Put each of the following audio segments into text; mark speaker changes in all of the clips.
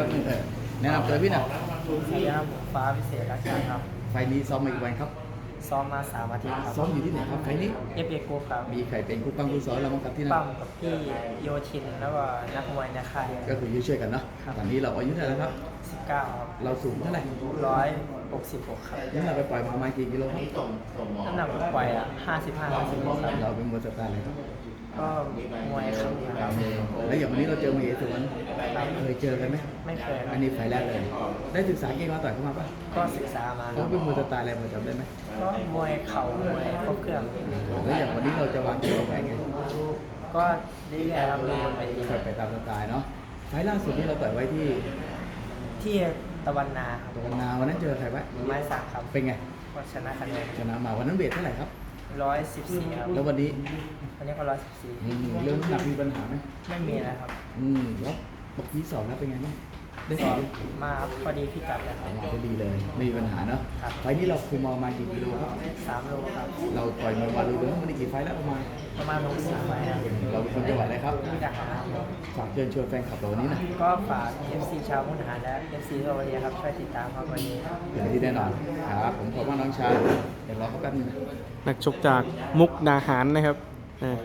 Speaker 1: ป๊บนึงแนะนำตัวพี่หน่อย
Speaker 2: สวัสดีครับผมฟ้าพิเศษรักชาติครับ
Speaker 1: ไฟล์นี้ซ้อมมากี่วันครับ
Speaker 2: ซ้อมมา3 อาทิตย์ครับ
Speaker 1: ซ้อมอยู่ที่ไหนครับไฟล์นี้
Speaker 2: FA กรุ๊ปครับ
Speaker 1: มีใครเป็นคู่ปั้งคู่ซ้อมเราบ้างครับที่นั่น
Speaker 2: ปั้มกับพี่โยชินแล้วก็นักมวยในค่าย
Speaker 1: ก็คือช่วยๆกันเนาะ
Speaker 2: ครับ
Speaker 1: ตอนนี้เราอายุเท่าไหร่แล้วครับ
Speaker 2: 19ครับ
Speaker 1: เราสูงเท่าไหร่
Speaker 2: 166ครับ
Speaker 1: น้ำหนักไปปล่อยมาประมาณกี่กิโลครับ
Speaker 2: น้ำหนักปล่อย55-56ครับ
Speaker 1: เราเป็นมวยสไตล์อะไรครับ
Speaker 2: ก็มวยครับ
Speaker 1: แล้วอย่างวันนี้เราเจอมาเอสวนเคยเจอกันไหม
Speaker 2: ไม่เคยค
Speaker 1: อั
Speaker 2: รั
Speaker 1: น
Speaker 2: บ
Speaker 1: นี้ไฟล์แรกเลย ได้ศึกษาเก่งมาต่อยเข้ามาปะ
Speaker 2: ก็ศึกษามาค
Speaker 1: เขา
Speaker 2: รับ
Speaker 1: เป็นมวยสไตล์อะไรพอจำได้ไหม
Speaker 2: ก็มวยเข่ามวยครบเครื่อง
Speaker 1: แล้วอย่างวันนี้เราจะวางเกมวางแผนไง
Speaker 2: ก็เรื่อยๆครับดูบนเวที
Speaker 1: ไปตามสไตล์เนาะไฟล์ล่าสุดที่เราต่อยไว้ที่
Speaker 2: ที่ตะวันนาครับ
Speaker 1: ตรงนาวันนั้นเจอใครไว้
Speaker 2: ไม้สักครับ
Speaker 1: เป็นไง
Speaker 2: ก็ชนะคะแนน
Speaker 1: ชนะมาวันนั้นเวทเท่าไหร่ครับ
Speaker 2: 114ครับ
Speaker 1: แล้ววันนี้
Speaker 2: วันนี้ก็114
Speaker 1: เรื่องน้ำหนักมีปัญหาไหม
Speaker 2: ไม่มีนะครับ
Speaker 1: แล้วปกติสอบแล้วเป็นไงบ้างได้
Speaker 2: ก็
Speaker 1: สอบ
Speaker 2: มาพอดีพิกัดเลยค
Speaker 1: อ
Speaker 2: รั
Speaker 1: อบ กมาก็ดีเลยไม่มีปัญหาเนาะ
Speaker 2: ครับ
Speaker 1: ไฟล์นี้เราคุมเอามากี่กิโลครับ
Speaker 2: 3 โลครับ
Speaker 1: เราต่อยมวยมาดูแล้ววันนี้กี่ไฟล์แล้วประมาณ
Speaker 2: ประมาณ60 ไฟครับ
Speaker 1: เราเป็นคนจังหวัดอะไรครับ
Speaker 2: มุกดาหาร
Speaker 1: ฝากเชิญชวนแฟนคลับเราวันนี้นะ
Speaker 2: ก็ฝาก FC ชาวมุกดาหารและ FC ทั่วประเทศครับช่วยติดตามครับวันนี้
Speaker 1: อย่างที่แน่นอนครับผมขอบคุณน้องชายเดี๋ยวรอเขาแป๊บนึงนะ
Speaker 3: นักชกจากมุกดาหารนะครับอ่า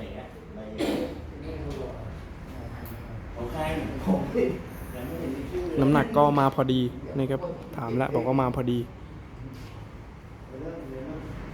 Speaker 3: น้ำหนักก็มาพอดีนะครับถามแล้วบอกว่ามาพอดี